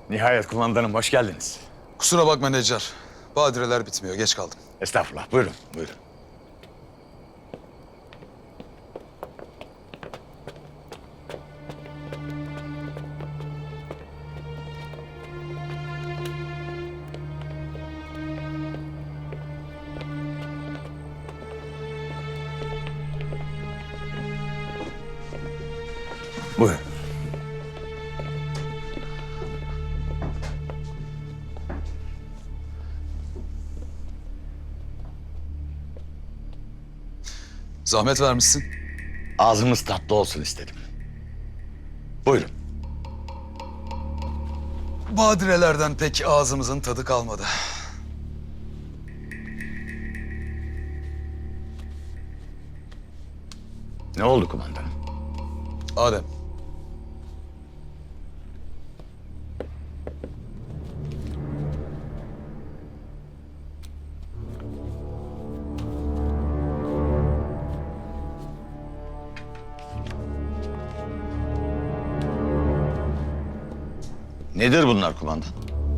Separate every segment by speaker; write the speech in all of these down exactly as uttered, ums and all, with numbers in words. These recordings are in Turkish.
Speaker 1: Nihayet kumandanım, hoş geldiniz.
Speaker 2: Kusura bakma Necar. Badireler bitmiyor. Geç kaldım.
Speaker 1: Estağfurullah, buyurun, buyurun. Buyurun.
Speaker 2: Zahmet vermişsin.
Speaker 1: Ağzımız tatlı olsun istedim. Buyurun.
Speaker 2: Badirelerden pek ağzımızın tadı kalmadı.
Speaker 1: Ne oldu kumandanım?
Speaker 2: Adem.
Speaker 1: Nedir bunlar kumandan?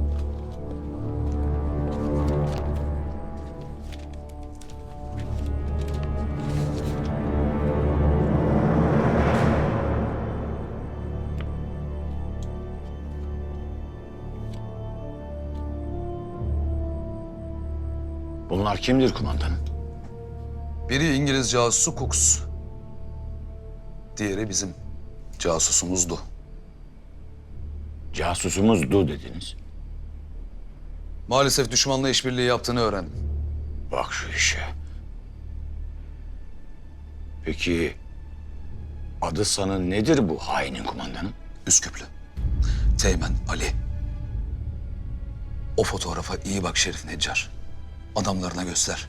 Speaker 1: Bunlar kimdir kumandanım?
Speaker 2: Biri İngiliz casusu Cooks. Diğeri bizim casusumuzdu.
Speaker 1: Casusumuzdu dediniz.
Speaker 2: Maalesef düşmanla işbirliği yaptığını öğrendim.
Speaker 1: Bak şu işe. Peki adı sanı nedir bu hainin kumandanım?
Speaker 2: Üsküplü. Teğmen Ali. O fotoğrafa iyi bak Şerif Necar. Adamlarına göster.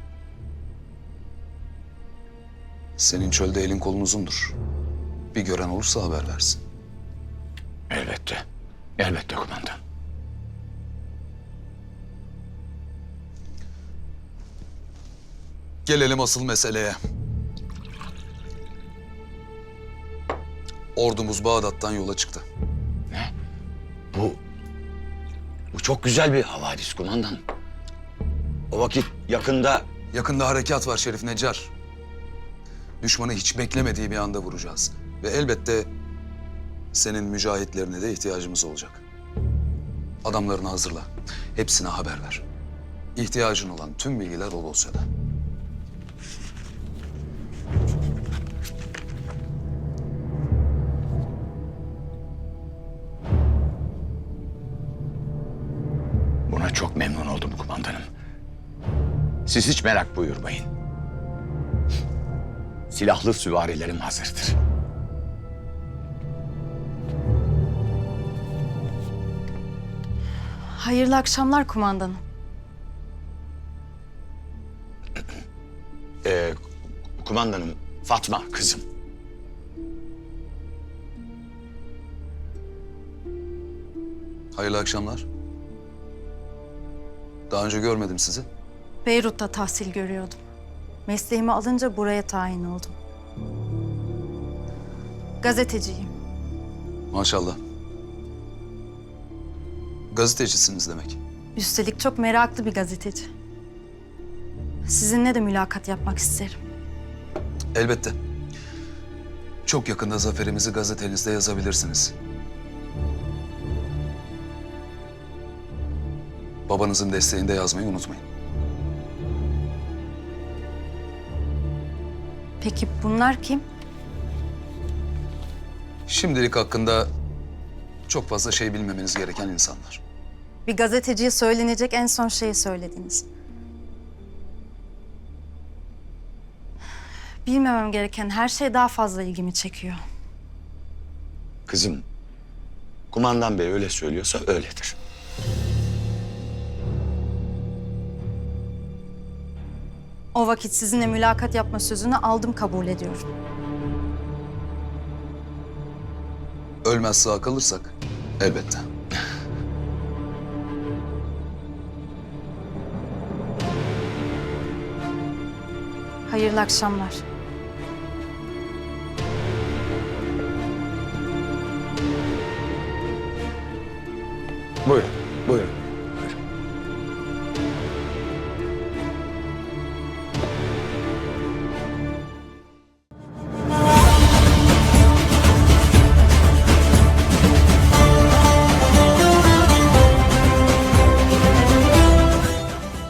Speaker 2: Senin çölde elin kolun uzundur. Bir gören olursa haber versin.
Speaker 1: Elbette. Elbette kumandan.
Speaker 2: Gelelim asıl meseleye. Ordumuz Bağdat'tan yola çıktı.
Speaker 1: Ne? Bu... Bu çok güzel bir havadis kumandan. O vakit yakında...
Speaker 2: Yakında harekat var Şerif Necar. Düşmanı hiç beklemediği bir anda vuracağız. Ve elbette senin mücahitlerine de ihtiyacımız olacak. Adamlarını hazırla. Hepsine haber ver. İhtiyacın olan tüm bilgiler o dosyada.
Speaker 1: Buna çok memnun oldum kumandanım. Siz hiç merak buyurmayın. Silahlı süvarilerim hazırdır.
Speaker 3: Hayırlı akşamlar kumandanım.
Speaker 1: Ee, kumandanım, Fatma kızım.
Speaker 2: Hayırlı akşamlar. Daha önce görmedim sizi.
Speaker 3: Beyrut'ta tahsil görüyordum. Mesleğimi alınca buraya tayin oldum. Gazeteciyim.
Speaker 2: Maşallah. Gazetecisiniz demek.
Speaker 3: Üstelik çok meraklı bir gazeteci. Sizinle de mülakat yapmak isterim.
Speaker 2: Elbette. Çok yakında zaferimizi gazetenizde yazabilirsiniz. Babanızın desteğinde yazmayı unutmayın.
Speaker 3: Peki bunlar kim?
Speaker 2: Şimdilik hakkında çok fazla şey bilmemeniz gereken insanlar.
Speaker 3: Bir gazeteciye söylenecek en son şeyi söylediniz. Bilmemem gereken her şey daha fazla ilgimi çekiyor.
Speaker 1: Kızım, kumandan bey öyle söylüyorsa öyledir.
Speaker 3: O vakit sizinle mülakat yapma sözünü aldım, kabul ediyorum.
Speaker 2: Ölmez sağ kalırsak elbette.
Speaker 3: Hayırlı akşamlar.
Speaker 2: Buyurun, buyurun.